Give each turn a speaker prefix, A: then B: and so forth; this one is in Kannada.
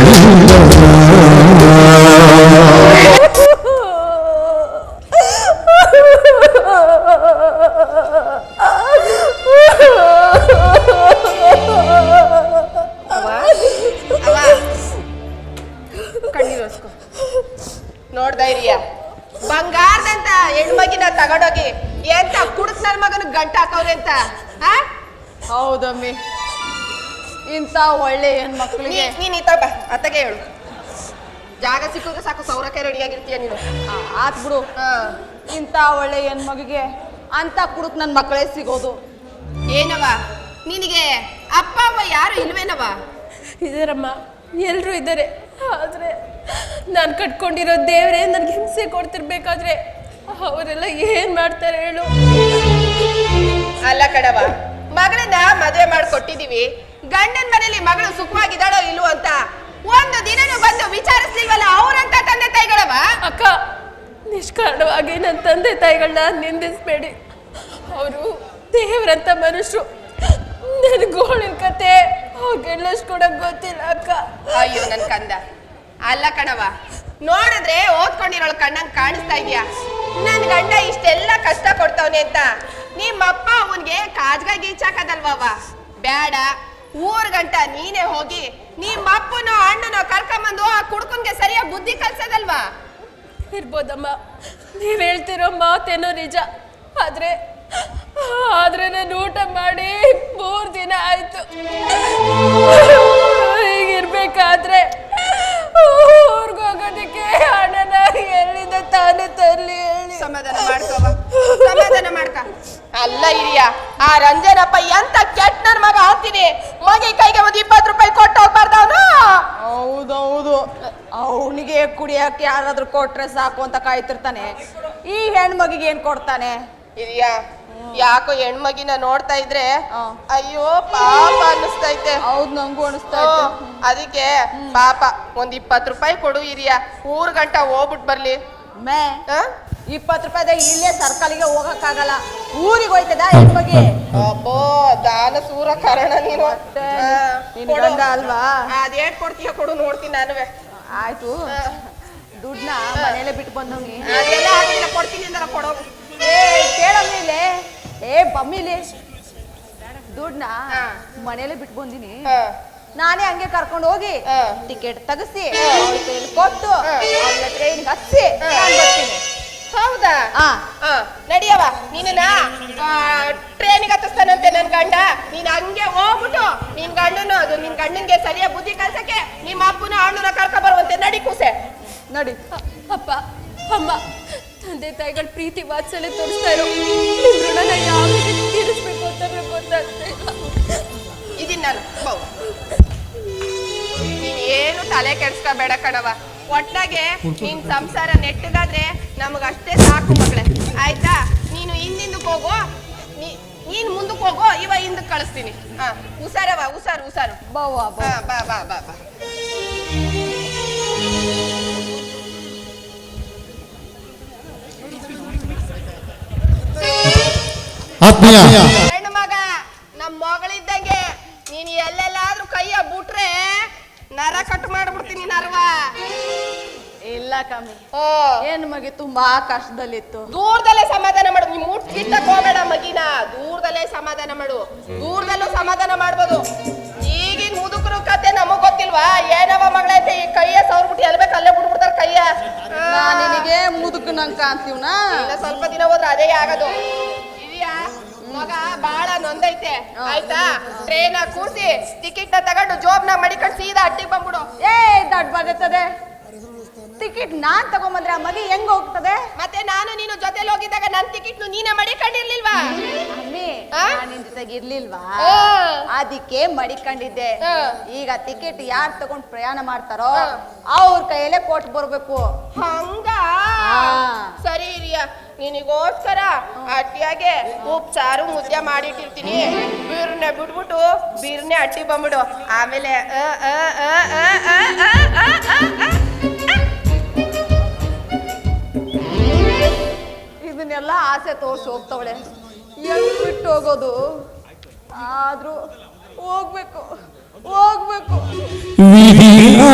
A: ನೋಡ್ದ ಹಿರಿಯ ಬಂಗಾರದಂತ ಹೆಣ್ಮಗಿನ ತಗೊಂಡೋಗಿ ಎಂತ ಕುಡುಕ್ ನನ್ ಮಗನ ಗಂಟ ಹಾಕವ್ರೆ ಅಂತ.
B: ಹೌದಮ್ಮಿ, ಇಂತ ಒಳ್ಳೆ ಹೆಣ್ಮಕ್ಳಿಗೆ
A: ನೀನ್ ಈ ಬಾ ಅತ್ತಗೆ ಹೇಳು. ಜಾಗ ಸಿಕ್ಕಿದ್ರೆ ಸಾಕು, ಸೌರಕ್ಕೆ ರೆಡಿಯಾಗಿರ್ತೀಯ ನೀನು.
B: ಆತ್ ಬಿಡು. ಇಂತ ಒಳ್ಳೆ ಹೆಣ್ಮಗಿಗೆ ಅಂತ ಕುಡುಕ್ ನನ್ ಮಕ್ಕಳೇ ಸಿಗೋದು.
A: ಏನವ ನಿನಗೆ ಅಪ್ಪ ಅಮ್ಮ ಯಾರು ಇಲ್ವೇನವ?
C: ಇದಾರಮ್ಮ, ಎಲ್ರು ಇದ್ದಾರೆ. ಆದ್ರೆ ನಾನು ಕಟ್ಕೊಂಡಿರೋ ದೇವರೇ ನನ್ಗೆ ಹಿಂಸೆ ಕೊಡ್ತಿರ್ಬೇಕಾದ್ರೆ ಅವರೆಲ್ಲ ಏನ್ ಮಾಡ್ತಾರೆ ಹೇಳು?
A: ಅಲ್ಲ ಕಡವ, ಮಗಳನ್ನ ಮದುವೆ ಮಾಡ್ಕೊಟ್ಟಿದೀವಿ, ಗಂಡನ ಮನೇಲಿ ಮಗಳು ಸುಖವಾಗಿದ್ದಾಳೋ ಇಲ್ವೋ ಅಂತ ಒಂದು ದಿನನೂ ಬಂದು ವಿಚಾರಿಸ್ಲಿಲ್ವಲ್ಲ ಅವ್ರಂತ ತಂದೆ ತಾಯಿಗಳವ.
C: ಅಕ್ಕ, ನಿಷ್ಕಾರಣವಾಗಿ ನನ್ನ ತಂದೆ ತಾಯಿಗಳನ್ನ ನಿಂದಿಸ್ಬೇಡಿ. ಅವರು ದೇವರಂತ ಮನುಷ್ಯರು. ನನ್ ಗೋಳಿನ ಕತೆ ಅವ್ರಿಗೆಲ್ಲಷ್ಟು ಕೂಡ ಗೊತ್ತಿಲ್ಲ ಅಕ್ಕ.
A: ಅಯ್ಯೋ ನನ್ ಕಂದ. ಅಲ್ಲ ಕಣವ, ನೋಡಿದ್ರೆ ಓದ್ಕೊಂಡಿರೋಳ ಕಣ್ಣಂಗ್ ಕಾಣಿಸ್ತಾ ಇದೀಯಾ. ನನ್ ಗಂಡ ಇಷ್ಟೆಲ್ಲ ಕಷ್ಟ ಕೊಡ್ತವನೆ ಅಂತ ನಿಮ್ಮಪ್ಪ ಅವನ್ಗೆ ಕಾಜ್ಗ ಗೀಚಾಕದಲ್ವವ? ಬೇಡ, ಊರ್ ಗಂಟ ನೀನೇ ಹೋಗಿ ನಿಮ್ಮಪ್ಪನೋ ಅಣ್ಣನೋ ಕರ್ಕೊಂಬಂದು ಆ ಕುಡ್ಕನ್ಗೆ ಸರಿಯಾಗಿ ಬುದ್ಧಿ ಕಲ್ಸದಲ್ವಾ?
C: ಇರ್ಬೋದಮ್ಮ, ನೀವ್ ಹೇಳ್ತಿರೋ ಮಾತೇನೋ ನಿಜ. ಆದ್ರೆ ನಾನು ಊಟ ಮಾಡಿ 3 ದಿನ ಆಯ್ತು. ಹೀಗಿರ್ಬೇಕಾದ್ರೆ ಊರ್ಗೋಗೋದಕ್ಕೆ ಹಣನ ಎಲ್ಲಿಂದ ತಾನೇ ತರ್ಲಿ ಹೇಳಿ?
A: ಸಮಾಧಾನ ಮಾಡ್ಕವ, ಸಮಾಧಾನ ಮಾಡ್ಕ. ಅಲ್ಲ ಹಿರಿಯ, ಆ ರಂಜನಪ್ಪ ಎಂತ ಕೆಟ್ಟ ನನ್ ಮಗ ಅಂತೀನಿ. ಮಗಿ ಕೈಗೆ ಒಂದು 20 ರೂಪಾಯಿ ಕೊಟ್ಟು ಹೋಗ್ಬಾರ್ದ ಅವನು?
B: ಹೌದೌದು, ಅವನಿಗೆ ಕುಡಿಯಕ್ಕೆ ಯಾರಾದ್ರೂ ಕೊಟ್ರೆ ಸಾಕು ಅಂತ ಕಾಯ್ತಿರ್ತಾನೆ. ಈ ಹೆಣ್ಮಗಿಗೆ ಏನ್ ಕೊಡ್ತಾನೆ?
A: ಹಿರಿಯ, ಯಾಕೋ ಹೆಣ್ಮಗಿನ ನೋಡ್ತಾ ಇದ್ರೆ ಅಯ್ಯೋ ಪಾಪ ಅನ್ನಿಸ್ತೈತೆ.
B: ಹೌದ್, ನಂಗೂ ಅನಿಸ್ತಾ ಇತ್ತು.
A: ಅದಕ್ಕೆ ಪಾಪ ಒಂದ್ 20 ರೂಪಾಯಿ ಕೊಡು ಹಿರಿಯ, ಊರ್ ಗಂಟ ಹೋಗ್ಬಿಟ್ ಬರ್ಲಿ.
B: 20 ರೂಪಾಯಿದಾಗ ಇಲ್ಲೇ ಸರ್ಕಲ್ಗೆ ಹೋಗಕ್ಕಾಗಲ್ಲ, ಊರಿಗೆ ಹೋಯ್ತದ ಹೆಣ್ಮಗಿ.
A: ಅಬ್ಬೋ, ದಾನ ಸೂರ ಕಾರಣ ನೀನು.
B: ಗಂಡ ಅಲ್ವಾ?
A: ಅದೇಟ್ ಕೊಡ್ತೀಯ ಕೊಡು, ನೋಡ್ತೀನಿ ನಾನುವೆ.
B: ಆಯ್ತು, ದುಡ್ಡನ್ನ ಮನೇಲೆ ಬಿಟ್ಟು ಬಂದವ್ನಿ.
A: ಅದೆಲ್ಲ ಆಗಿಲ್ಲ, ಕೊಡ್ತೀನಿ ಅಂದಲ್ಲ, ಕೊಡೋಗು.
B: ಕೇಳಮ್ಮಿಲೆ, ಬಮ್ಮಿಲಿ ದುಡ್ಡನ್ನ ಮನೇಲೆ ಬಿಟ್ಟು ಬಂದಿನಿ. ನಾನೇ ಹಂಗೆ ಕರ್ಕೊಂಡು ಹೋಗಿ ಟಿಕೆಟ್ ತೆಗಿಸಿ ಕೊಟ್ಟು ಟ್ರೈನ್ಗೆ ಹಚ್ಚಿ ಬರ್ತೀನಿ.
A: ಹೌದಾ? ನಡಿಯವ, ನೀನ ಟ್ರೈನಿಗೆ ಹತ್ತಿಸ್ತಾನಂತೆ ನನ್ ಗಂಡ. ನೀನ್ ಹಂಗೆ ಹೋಗ್ಬಿಟ್ಟು ನಿನ್ ಗಂಡನು ನಿನ್ ಗಂಡನ್ಗೆ ಸರಿಯಾಗಿ ಬುದ್ಧಿ ಕಲ್ಸಕ್ಕೆ ನಿಮ್ಮ ಅಪ್ಪನ ಅಣ್ಣನ ಕರ್ಕ ಬರುವಂತೆ. ನಡಿ ಕೂಸೆ,
B: ನಡಿ.
C: ಅಪ್ಪ ಅಮ್ಮ, ತಂದೆ ತಾಯಿಗಳ ಪ್ರೀತಿ ವಾತ್ಸಲ್ಯ ತೋರಿಸ್ತಾ ಇರೋ ಋಣನ ಯಾವ ರೀತಿ ತೀರಿಸ್ಬೇಕು ಅಂತ ಗೊತ್ತಾಗ್ತಾ ಇಲ್ಲ.
A: ಇದೀನಿ ನಾನು. ನೀನ್ ಏನು ತಲೆ ಕೆಡ್ಸ್ಕೋಬೇಡ ಕಣವ. ಒಟ್ಟಾಗೆ ನಿನ್ ಸಂಸಾರ ನೆಟ್ಟಗಾದ್ರೆ ನಮಗಷ್ಟೇ ಸಾಕು ಮಗಳೇ, ಆಯ್ತಾ? ನೀನು ಹಿಂದಿಂದಕ್ಕೆ ಹೋಗೋ, ನೀನ್ ಮುಂದಕ್ಕೆ ಹೋಗೋ, ಇವ ಹಿಂದಕ್ಕೆ ಕಳಿಸ್ತೀನಿ. ಹುಷಾರವ, ಹುಷಾರು ಹುಷಾರು.
B: ಬಾ
A: ಬಾ ಬಾ ಬಾ ಬಾ ಬಾ. ಹೆಣ್ಣು ಮಗ ನಮ್ ಮಗಳಿದ್ದಂಗೆ ನೀನ್ ಎಲ್ಲೆಲ್ಲಾದ್ರೂ ಕೈಯ ಬಿಟ್ರೆ ನರ ಕಟ್ ಮಾಡ್ಬಿಡ್ತೀನಿ ನರ್ವ.
B: ಇಲ್ಲ ಕಮ್ಮಿ, ಏನ್ ಮಗಿ ತುಂಬಾ ಕಷ್ಟದಲ್ಲಿತ್ತು.
A: ದೂರದಲ್ಲೇ ಸಮಾಧಾನ ಮಾಡು, ನೀ ಮುಟ್ಕಿಟ್ಟಕ್ ಹೋಗ್ಬೇಡ ಮಗಿನ. ದೂರದಲ್ಲೇ ಸಮಾಧಾನ ಮಾಡು, ದೂರದಲ್ಲೂ ಸಮಾಧಾನ ಮಾಡ್ಬೋದು. ಈಗಿನ ಮುದುಕರು ಕತೆ ನಮಗ್ ಗೊತ್ತಿಲ್ವಾ? ಏನವ ಮಗಳೈತೆ ಈ ಕೈಯ ಸವ್ರ್ಬಿಟ್ಟು ಎಲ್ಬೇಕು ಅಲ್ಲೇ ಬಿಟ್ಬಿಡ್ತಾರ ಕೈಯ.
B: ನಿನಗೆ ಮುದುಕು ನಂಗೆ ಕಾಣ್ತೀವ್ನಾ?
A: ಇಲ್ಲ, ಸ್ವಲ್ಪ ದಿನ ಹೋದ್ರೆ ಅದೇ ಆಗದು. ಮಗ ಬಾಳ ನೊಂದೈತೆ, ಆಯ್ತಾ? ಟ್ರೈನ್ ಕೂರ್ಸಿ ಟಿಕೆಟ್ ನ ತಗೊಂಡು ಜೋಬ್ನ ಮಡಿಕೊಂಡು ಸೀದಾ ಅಟ್ಟಿಗೆ ಬಂದ್ಬಿಡು.
B: ದಡ್ ಬರ್ತದೆ ಟಿಕೆಟ್. ನಾನ್ ತಗೊಂಬಂದ್ರೆ ಆ ಮಗಿ ಹೆಂಗ್ ಹೋಗ್ತದೆ?
A: ಮತ್ತೆ ನಾನು ನೀನು ಜೊತೆಲಿ ಹೋಗಿದ್ದಾಗ ನನ್ ಟಿಕೆಟ್ ನೀನೇ ಮಡಿಕೊಂಡಿರ್ಲಿಲ್ವಾ?
B: ಅಮ್ಮಿ, ನಿನ್ ಜೊತೆಗೆ ಇರ್ಲಿಲ್ವಾ? ಅದಕ್ಕೆ ಮಡಿಕೊಂಡಿದ್ದೆ. ಈಗ ಟಿಕೆಟ್ ಯಾರು ತಗೊಂಡ್ ಪ್ರಯಾಣ ಮಾಡ್ತಾರೋ ಅವ್ರ ಕೈಯಲ್ಲೇ ಕೊಟ್ಟು ಬರ್ಬೇಕು.
A: ಹಂಗ? ಸರಿ ಹಿರಿಯ, ನಿನಗೋಸ್ಕರ ಅಟ್ಟಿಯಾಗೆ ಉಪ್ಪು ಸಾರು ಮುದ್ದೆ ಮಾಡಿಟ್ಟಿರ್ತೀನಿ. ಬೀರ್ನೆ ಬಿಟ್ಬಿಟ್ಟು ಬೀರ್ನೆ ಅಟ್ಟಿ ಬಂದ್ಬಿಡು. ಆಮೇಲೆ
B: ಇದನ್ನೆಲ್ಲ ಆಸೆ ತೋರ್ಸಿ ಹೋಗ್ತವಳೆ. ಹೆಂಗ್ ಬಿಟ್ಟು ಹೋಗೋದು? ಆದ್ರೂ ಹೋಗ್ಬೇಕು ಹೋಗ್ಬೇಕು.